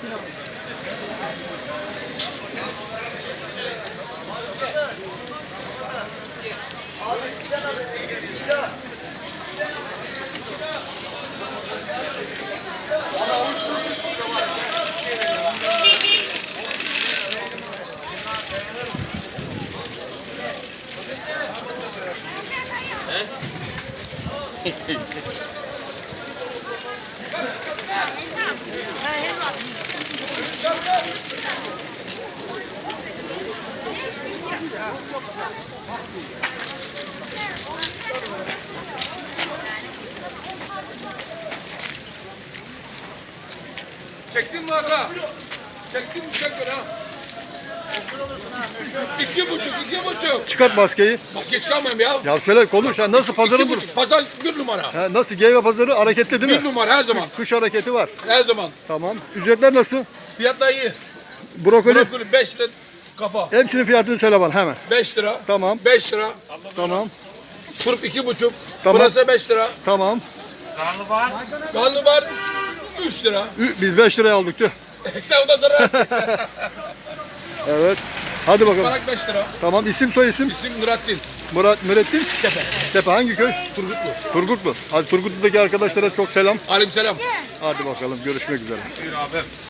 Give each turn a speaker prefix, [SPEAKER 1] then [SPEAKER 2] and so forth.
[SPEAKER 1] Çektin mi aga? Çektin mi? Çek beni ha. 2,5.
[SPEAKER 2] Çıkart maskeyi.
[SPEAKER 1] Maske çıkarmayayım ya.
[SPEAKER 2] Ya söyle konuş. Ha, nasıl pazarın bu?
[SPEAKER 1] 2,5. Pazar bir numara.
[SPEAKER 2] Ha, nasıl Geyve pazarı hareketli değil mi?
[SPEAKER 1] Bir numara her zaman.
[SPEAKER 2] Kış hareketi var.
[SPEAKER 1] Her zaman.
[SPEAKER 2] Tamam. Ücretler nasıl?
[SPEAKER 1] Fiyatlar iyi.
[SPEAKER 2] Brokoli.
[SPEAKER 1] Brokoli 5 lira kafa.
[SPEAKER 2] Hepsinin fiyatını söyle bana hemen.
[SPEAKER 1] 5 lira.
[SPEAKER 2] Tamam.
[SPEAKER 1] 5 lira.
[SPEAKER 2] Tamam.
[SPEAKER 1] Turp 2,5.
[SPEAKER 2] Tamam.
[SPEAKER 1] Burası 5 lira.
[SPEAKER 2] Tamam.
[SPEAKER 1] Karnabahar 3 lira.
[SPEAKER 2] Biz 5 liraya aldık diyor.
[SPEAKER 1] İşte o da zarar.
[SPEAKER 2] Evet. Hadi bakalım.
[SPEAKER 1] Ispanak 5 lira.
[SPEAKER 2] Tamam. İsim soy isim.
[SPEAKER 1] İsim Nurattin.
[SPEAKER 2] Mürettin.
[SPEAKER 1] Tepe.
[SPEAKER 2] Tepe hangi köy?
[SPEAKER 1] Turgutlu.
[SPEAKER 2] Turgutlu. Hadi Turgutlu'daki arkadaşlara çok selam.
[SPEAKER 1] Aleykümselam.
[SPEAKER 2] Hadi bakalım görüşmek üzere.
[SPEAKER 1] Buyur abi.